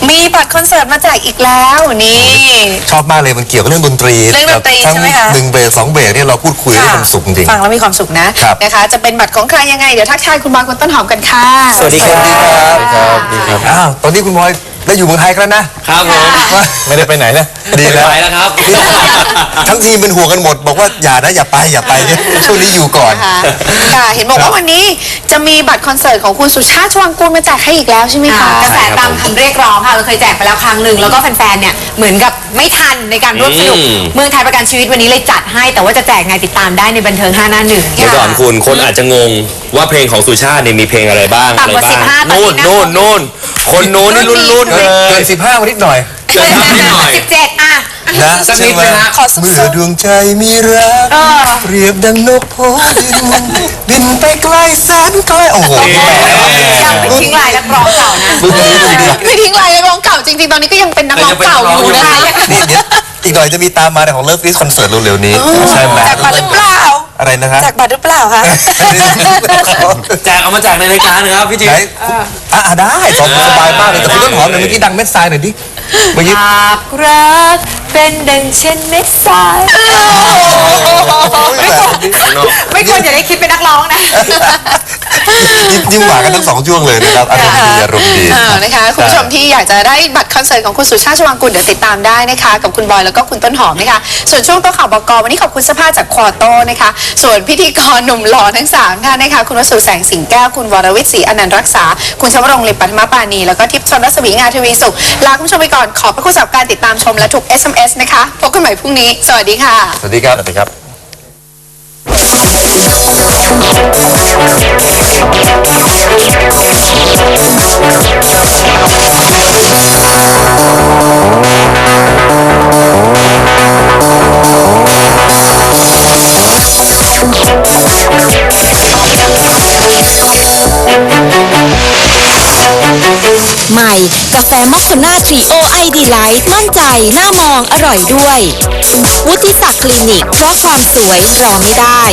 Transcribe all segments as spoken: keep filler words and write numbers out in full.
มีบัตรคอนเสิร์ตมาแจกอีกแล้วนี่ชอบมากเลยมันเกี่ยวกับเรื่องดนตรีเรื่องดนตรีใช่ไหมคะหนึ่งเบรกสองเบรกเนี่ยเราพูดคุยได้ความสุขจริงฟังแล้วมีความสุขนะนะคะจะเป็นบัตรของใครยังไงเดี๋ยวทักทายคุณบอยคุณต้นหอมกันค่ะสวัสดีครับสวัสดีครับสวัสดีครับอ้าวตอนนี้คุณบอยได้อยู่เมืองไทยกันนะครับผมไม่ได้ไปไหนนะดีแล้วไปแล้วครับทั้งทีมเป็นห่วงกันหมดบอกว่าอย่านะอย่าไปอย่าไปช่วงนี้อยู่ก่อนค่ะเห็นบอกว่าวันนี้จะมีบัตรคอนเสิร์ตของคุณสุชาติชวางกูลมาแจกให้อีกแล้วใช่ไหมคะกระแสตามคำเรียกร้องค่ะเราเคยแจกไปแล้วครั้งหนึ่งแล้วก็แฟนๆเนี่ยเหมือนกับไม่ทันในการร่วมสนุกเมืองไทยประกันชีวิตวันนี้เลยจัดให้แต่ว่าจะแจกไงติดตามได้ในบันเทิงห้าหน้าหนึ่งเดี๋ยวก่อนคุณคนอาจจะงงว่าเพลงของสุชาติเนี่ยมีเพลงอะไรบ้างต่ำกว่าสิบห้านู่นนู่นนู่นคนนู้นนี่รุ่นรุ่นเกินสิบห้ามานิดหน่อยเกินนิดหน่อยสิบเจ็ดอ่ะนะสักนิดเลยฮะเมื่อดวงใจมีรักเปรียบดังนกโพดินบินไปไกลแสนไกลโอ้โหยังไม่ทิ้งลายนักร้องเก่านะไม่ทิ้งลายนักร้องเก่าจริงๆตอนนี้ก็ยังเป็นนักร้องเก่าอยู่นะคะอีกหน่อยจะมีตามมาของเลิฟลิสคอนเสิร์ตเร็วๆนี้ใช่ไหมแจกบัตรหรือเปล่าอะไรนะครับแจกบัตรหรือเปล่าคะแจกเอามาแจกในรายการนะครับพี่จิ๊บอ่ะได้สบายมากเลยแต่คุณต้นหอมหน่อยเมื่อกี้ดังเม็ดทรายหน่อยดิเมื่อกี้หากรักเป็นดังเช่นเม็ดทรายไม่ควรอย่าได้คิดเป็นนักร้องนะยิ้มหวานกันทั้งสองช่วงเลยนะครับอารมณ์ดีอารมณ์ดีนะคะคุณผู้ชมที่อยากจะได้บัตรคอนเสิร์ตของคุณสุชาติชวางกูลเดี๋ยวติดตามได้นะคะกับคุณบอยแล้วก็คุณต้นหอมนะคะส่วนช่วงโต๊ะข่าวบก.วันนี้ขอบคุณเสื้อผ้าจากควอโต้นะคะส่วนพิธีกรหนุ่มหล่อทั้งสามท่านนะคะคุณวสุแสงสิงแก้วคุณวรวิทย์ศรีอนันต์รักษาคุณชวรงค์ลิปปัทมปานีแล้วก็ทิพย์ชนรัศมีงาทวีสุขลาคุณผู้ชมไปก่อนขอบพระคุณสำหรับการติดตามชมและทุก เอส เอ็ม เอส นะคะพบกันใหม่พรุ่งนี้สวัสดีค่ะสวัสดีครับสวัสดีครับใหม่กาแฟมอคคาน่าทรีโอไอดีไลท์มั่นใจหน้ามองอร่อยด้วยวุฒิศักดิ์คลินิกเพราะความสวยรอไม่ได้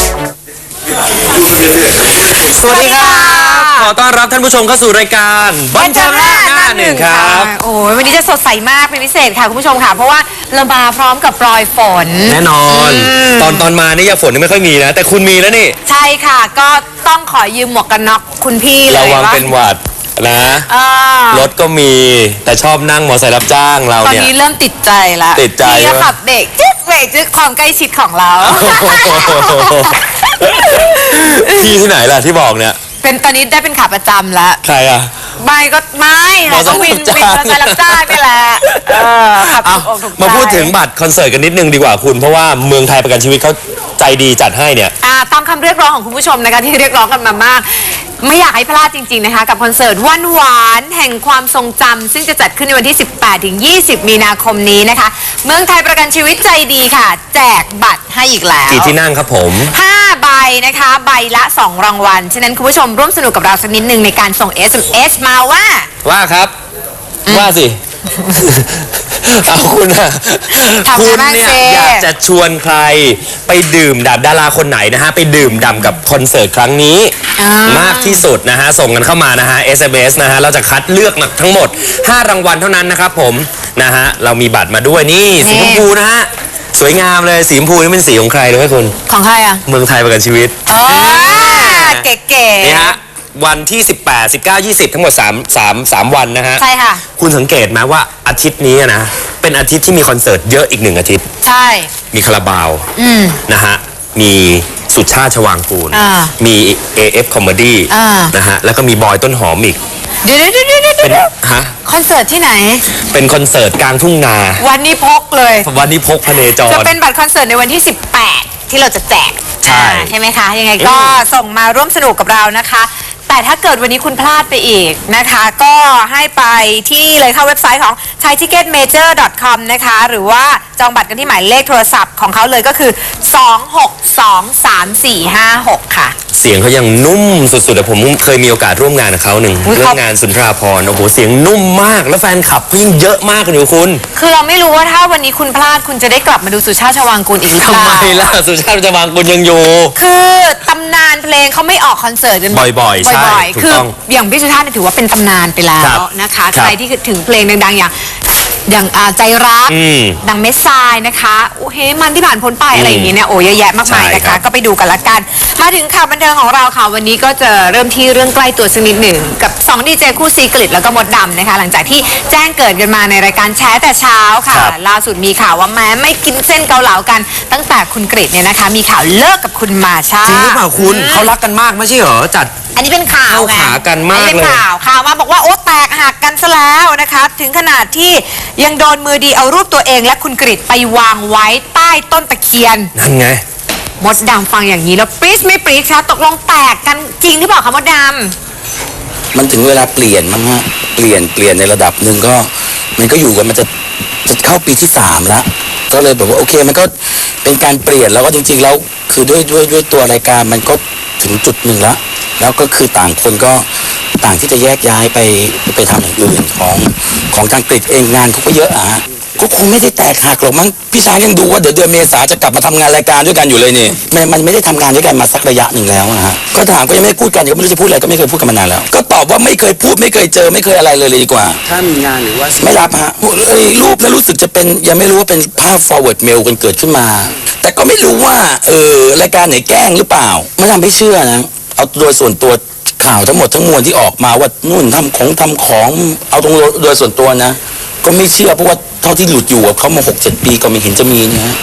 สวัสดีครับขอต้อนรับท่านผู้ชมเข้าสู่รายการบันเทิงหน้าหนึ่งครับโอ้ยวันนี้จะสดใสมากเป็นพิเศษค่ะคุณผู้ชมค่ะเพราะว่าเรามาพร้อมกับปลอยฝนแน่นอนตอนตอนมานี่ยาฝนไม่ค่อยมีนะแต่คุณมีแล้วนี่ใช่ค่ะก็ต้องขอยืมหมวกกันน็อกคุณพี่เลยระวังเป็นหวัดนะรถก็มีแต่ชอบนั่งมอเตอร์ไซค์รับจ้างเราเนี่ยตอนนี้เริ่มติดใจละติดใจที่จะขับเบรกจึ๊กเบรกจึ๊กความใกล้ชิดของเราพี่ที่ไหนล่ะที่บอกเนี่ยเป็นตอนนี้ได้เป็นขาประจำแล้วใครอ่ะไม่ก็ไม่ค่ะก็วินวินมอเตอร์ไซค์รับจ้างนี่แหละขับมาพูดถึงบัตรคอนเสิร์ตกันนิดนึงดีกว่าคุณเพราะว่าเมืองไทยประกันชีวิตเขาใจดีจัดให้เนี่ยตามคำเรียกร้องของคุณผู้ชมนะคะที่เรียกร้องกันมามากไม่อยากให้พลาดจริงๆนะคะกับคอนเสิร์ตวันหวานแห่งความทรงจำซึ่งจะจัดขึ้นในวันที่สิบแปดถึงยี่สิบมีนาคมนี้นะคะเมืองไทยประกันชีวิตใจดีค่ะแจกบัตรให้อีกแล้วกี่ที่นั่งครับผมห้าใบนะคะใบละสองรางวัลฉะนั้นคุณผู้ชมร่วมสนุกกับเราสักนิดนึงในการส่ง เอส เอ็ม เอส มาว่าว่าครับว่าสิเอาคุณอะคุณเนี่ยอยากจะชวนใครไปดื่มด่ำดาราคนไหนนะฮะไปดื่มด่ำกับคอนเสิร์ตครั้งนี้มากที่สุดนะฮะส่งกันเข้ามานะฮะ เอส เอ็ม เอส นะฮะเราจะคัดเลือกทั้งหมดห้ารางวัลเท่านั้นนะครับผมนะฮะเรามีบัตรมาด้วยนี่สีชมพูนะฮะสวยงามเลยสีชมพูนี่เป็นสีของใครรู้ไหมคุณของใครอะเมืองไทยประกันชีวิตอ๋อเก๋ๆนี่ฮะวันที่สิบแปด สิบเก้า ยี่สิบทั้งหมด3 3 3วันนะฮะใช่ค่ะคุณสังเกตไหมว่าอาทิตย์นี้นะเป็นอาทิตย์ที่มีคอนเสิร์ตเยอะอีกหนึ่งอาทิตย์ใช่มีคาราบาวนะฮะมีสุชาติชวางกูลมี เอ เอฟ Comedy นะฮะแล้วก็มีบอยต้นหอมอีกเดี๋ยวเดี๋ยวเดี๋ยวเดี๋ยวฮะคอนเสิร์ตที่ไหนเป็นคอนเสิร์ตกลางทุ่งนาวันนี้พกเลยวันนี้พกพเนจรจะเป็นบัตรคอนเสิร์ตในวันที่สิบแปดที่เราจะแจกใช่ใช่ไหมคะยังไงก็ส่งมาร่วมสนุกกับเรานะคะแต่ถ้าเกิดวันนี้คุณพลาดไปอีกนะคะก็ให้ไปที่เลยเข้าเว็บไซต์ของ ไทยทิเก็ตเมเจอร์ ดอท คอม นะคะหรือว่าจองบัตรกันที่หมายเลขโทรศัพท์ของเขาเลยก็คือสอง หก สอง สาม สี่ ห้า หกค่ะเสียงเขายังนุ่มสุดๆแต่ผมเคยมีโอกาสร่วมงานกับเขาหนึ่งเรื่องงานสุนทราภรณ์โอ้โหเสียงนุ่มมากแล้วแฟนคลับเขายิ่งเยอะมากเลยคุณคือเราไม่รู้ว่าถ้าวันนี้คุณพลาดคุณจะได้กลับมาดูสุชาติชวางกูลอีกหรือเปล่าทำไมล่ะสุชาติชวางกูลยังอยู่คือตำนานเพลงเขาไม่ออกคอนเสิร์ตกันบ่อยๆใช่บ่อยถูๆกคือต้องอย่างพี่สุชาติเนี่ยถือว่าเป็นตำนานไปแล้ครัวบนะคะครับใครที่คิดถึงเพลงดังๆอย่างอย่างอ่าใจรักอืมดังเมสซายนะคะโอเฮมันที่ผ่านพ้นไปอะไรอย่างเงี้ยเนี่ยโอ้เยอะแยะมากมายใช่นะครัคะบก็ไปดูกันละกัน มาถึงข่าวบันเทิงของเราค่ะวันนี้ก็จะเริ่มที่เรื่องใกล้ตัวสักนิดหนึ่งกับสองดีเจคู่ซีกฤตแล้วก็มดดำนะคะหลังจากที่แจ้งเกิดกันมาในรายการแชร์แต่เช้าค่ะครับล่าสุดมีข่าวว่าแม้ไม่กินเส้นเกาเหลากัน ตั้งแต่คุณกฤตเนี่ยนะคะมีข่าวเลิกกับคุณมาชาจริงหรือเปล่าคุณเขารักกันมากไม่ใช่เหรอจัดอันนี้เป็นข่าวเข้าไงขากันมากอันนี้เป็นเลยข่าวข่าวมาบอกว่าโอ๊ตแตกหักกันซะแล้วนะคะ ถึงขนาดที่ยังโดนมือดีเอารูปตัวเองและคุณกฤตไปวางไว้ใต้ต้นตะเคียนนั่นไงมดดำฟังอย่างนี้แล้วปรี๊ดไม่ปรี๊ดคะตกลงแตกกันจริงหรือเปล่าคะมดดมันถึงเวลาเปลี่ยนมั้งฮะเปลี่ยนเปลี่ยนในระดับหนึ่งก็มันก็อยู่กันมันจะจะเข้าปีที่สามแล้วก็เลยแบบว่าโอเคมันก็เป็นการเปลี่ยนแล้วก็จริงๆแล้วคือด้วยด้วยด้วยตัวรายการมันก็ถึงจุดหนึ่งแล้วแล้วก็คือต่างคนก็ต่างที่จะแยกย้ายไปไปทำอย่างอื่นของของทางกรีฑเองงานเขาก็เยอะอะฮะก็คงไม่ได้แตกหักหรอกมั้งพี่ช้างยังดูว่าเดี๋ยวเดือนเมษาจะกลับมาทำงานรายการด้วยกันอยู่เลยนี่มันมันไม่ได้ทำงานด้วยกันมาสักระยะหนึ่งแล้วนะฮะก็ถามก็ยังไม่ได้พูดกันก็ไม่รู้จะพูดอะไรก็ไม่เคยพูดกันมานานแล้วก็ตอบว่าไม่เคยพูดไม่เคยเจอไม่เคยอะไรเลยเลยดีกว่าถ้ามีงานหรือว่าไม่รับฮะเอ้ยรูปแล้วรู้สึกจะเป็นยังไม่รู้ว่าเป็นภาพ forward mail กันเกิดขึ้นมา แต่ก็ไม่รู้ว่าเออรายการไหนแกล้งหรือเปล่าไม่ทำให้เชื่อนะเอาโดยส่วนตัวข่าวทั้งหมดทั้งมวลที่ออกมาว่านู่นทำของทำของเอาตรงโดยส่วนตัวนะ ก็ไม่เชื่อเพราะว่าเท่าที่หลุดอยู่กับเขามาหกเจ็ดปีก็ไม่เห็นจะมีนะฮะ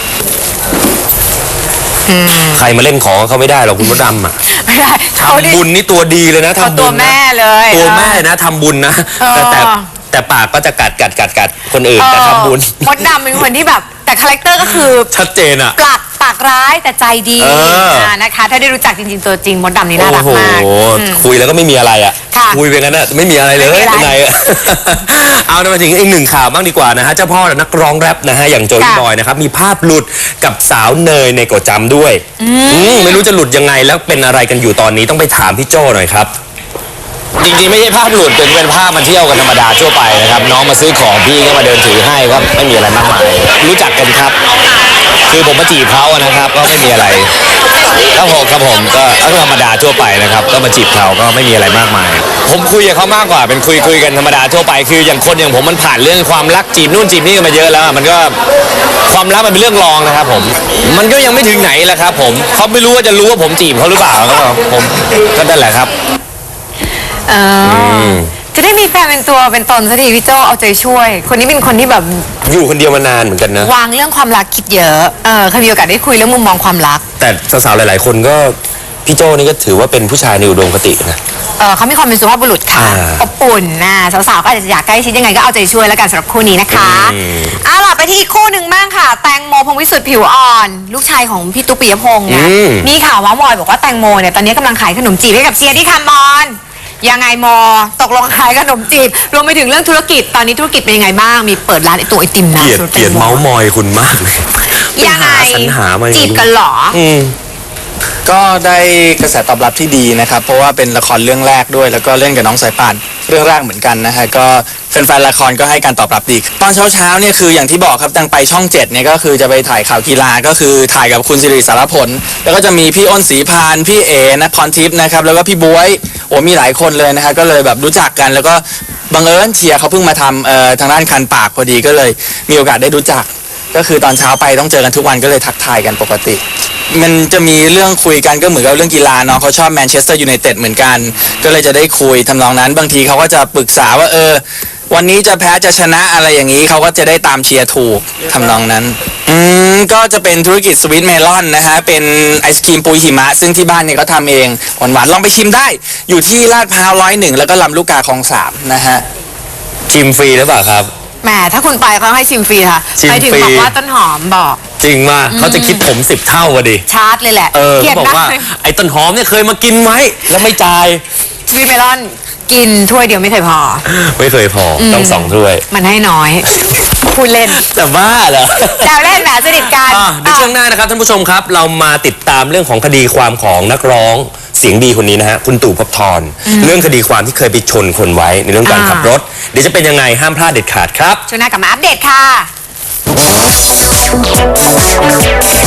ใครมาเล่นของเขาไม่ได้หรอกคุณมดดำอ่ะำไม่ได้เขาดิทำบุญนี่ตัวดีเลยนะเขาทำตับุวญแม่นะเลยตัวแม่นะทำบุญนะเออแต่แต่แต่ปากก็จะกัดกัดกัดกัดคนอื่นแต่ทำบุญเออมดดำเป็นคนที่แบบแต่คาแรคเตอร์ก็คือชัดเจนอ่ะปลักปากร้ายแต่ใจดีเอออ่านะคะ ถ้าได้รู้จักจริงๆตัวจริงมดดำนี่น่ารักมากโอ้โหอืมคุยแล้วก็ไม่มีอะไรอ่ะค่ะคุยไปงั้นอ่ะไม่มีอะไรเลยไม่มีอะไรข้างในอ่ะ เอามาถึงอีกหนึ่งข่าวบ้างดีกว่านะฮะเจ้าพ่อนักร้องแรปนะฮะอย่างโจลี่ค่ะบอยนะครับมีภาพหลุดกับสาวเนยในโกดจำด้วยอืมไม่รู้จะหลุดยังไงแล้วเป็นอะไรกันอยู่ตอนนี้ต้องไปถามพี่โจ้หน่อยครับจริงๆไม่ใช่ภาพหลุดเป็นเป็นภาพมาเที่ยวกันธรรมดาทั่วไปนะครับน้องมาซื้อของพี่ก็มาเดินถือให้ก็ไม่มีอะไรมากมายรู้จักกันครับ คือผมมาจีบเขาอะนะครับก็ไม่มีอะไรครับผมครับผมก็ก็ธรรมดาทั่วไปนะครับก็มาจีบเขาก็ไม่มีอะไรมากมาย ผมคุยกับเขามากกว่าเป็นคุยคุยกันธรรมดาทั่วไปคืออย่างคนอย่างผมมันผ่านเรื่องความรักจีบนู่นจีบนี่กันมาเยอะแล้วอะมันก็ความรักมันเป็นเรื่องรองนะครับผมมันก็ยังไม่ถึงไหนแหละครับผมเขาไม่รู้ว่าจะรู้ว่าผมจีบเขาหรือเปล่าก็ผมก็นั่นแหละครับเออจะได้มีแฟนเป็นตัวเป็นตนสักทีพี่โจเอาใจช่วย คนนี้เป็นคนที่แบบอยู่คนเดียวมานานเหมือนกันนะวางเรื่องความรักคิดเยอะเออเคยมีโอกาสได้คุยเรื่องมุมมองความรักแต่สาวๆหลายๆคนก็พี่โจ้นี่ก็ถือว่าเป็นผู้ชายในอุดมคตินะเออเขามีความเป็นสุภาพบุรุษค่ะอ่าอบอุ่นนะสาวๆก็อาจจะอยากใกล้ชิดยังไงก็เอาใจช่วยแล้วกันสำหรับคู่นี้นะคะเอาล่ะไปที่อีกคู่หนึ่งบ้างค่ะ แตงโมพงษ์วิสุทธิ์ผิวอ่อน ลูกชายของพี่ตุ๊กปิยพงษ์เนี่ยมีข่าวเม้ามอยบอกว่าแตงโมเนี่ยตอนนี้กำลังขายขนมจีบให้กับเชียร์ที่คามอนยังไงมอตกลงขายขนมจีบรวมไปถึงเรื่องธุรกิจตอนนี้ธุรกิจเป็นยังไงบ้างมีเปิดร้านไอตัวไอติมนะเกลียดสูตรเกลียดแตงโเมาส์มอยคุณมากเลยยังไงปหาสรรหามาจีบกันเหรออืมก็ได้กระแสตอบรับที่ดีนะครับ เพราะว่าเป็นละครเรื่องแรกด้วย แล้วก็เล่นกับน้องสายป่านเรื่องแรกเหมือนกันนะฮะก็แฟนๆละครก็ให้การตอบรับดี ตอนเช้าๆเนี่ยคืออย่างที่บอกครับตังไปช่องเจ็ดเนี่ยก็คือจะไปถ่ายข่าวกีฬาก็คือถ่ายกับคุณสิริสารพลแล้วก็จะมีพี่อ้นศรีพานพี่เอนะพรทิพย์นะครับแล้วก็พี่บ๊วยโอ้มีหลายคนเลยนะฮะก็เลยแบบรู้จักกัน แล้วก็บังเอิญเชียร์เขาเพิ่งมาทำเอ่อทางด้านคันปากพอดีก็เลยมีโอกาสได้รู้จัก ก็คือตอนเช้าไปต้องเจอกันทุกวันก็เลยทักทายกันปกติ มันจะมีเรื่องคุยกันก็เหมือนกับเรื่องกีฬาเนาะเขาชอบแมนเชสเตอร์ยูไนเต็ดเหมือนกัน ก็เลยจะได้คุยทำนองนั้น บางทีเขาก็จะปรึกษาว่าเออ วันนี้จะแพ้จะชนะอะไรอย่างนี้เขาก็จะได้ตามเชียร์ถูกทำนองนั้น อืมก็จะเป็นธุรกิจสวีทเมลอนนะฮะเป็นไอศครีมปุยหิมะ ซึ่งที่บ้านเนี่ยเขาทำเองหวานๆลองไปชิมได้ อยู่ที่ลาดพร้าวร้อยหนึ่งแล้วก็ลำลูกกาคลองสามนะฮะชิมฟรีหรือเปล่าครับแหมถ้าคุณไปเขาให้ชิมฟรีค่ะชิมไปถึงฟรีบอกว่าต้นหอมบอกจริงมาเขาจะคิดผมสิบเท่าวะดิชาร์จเลยแหละเออเกลียเขาดบอกนะว่าไอ้ต้นหอมเนี่ยเคยมากินไหมแล้วไม่จ่ายสวีทเมลอนกินถ้วยเดียวไม่เคยพอไม่เคยพอต้องสองถ้วยมันให้น้อยพูดเล่นแต่บ้าเหรอแซวเล่นแหมสนิทกันอ่ะในช่วงหน้านะครับท่านผู้ชมครับ เรามาติดตามเรื่องของคดีความของนักร้องเสียงดีคนนี้นะฮะคุณตู่ภพบทรเรื่องคดีความที่เคยไปชนคนไว้ในเรื่องการอ่าขับรถเดี๋ยวจะเป็นยังไงห้ามพลาดเด็ดขาดครับช่วงหน้ากลับมาอัปเดตค่ะ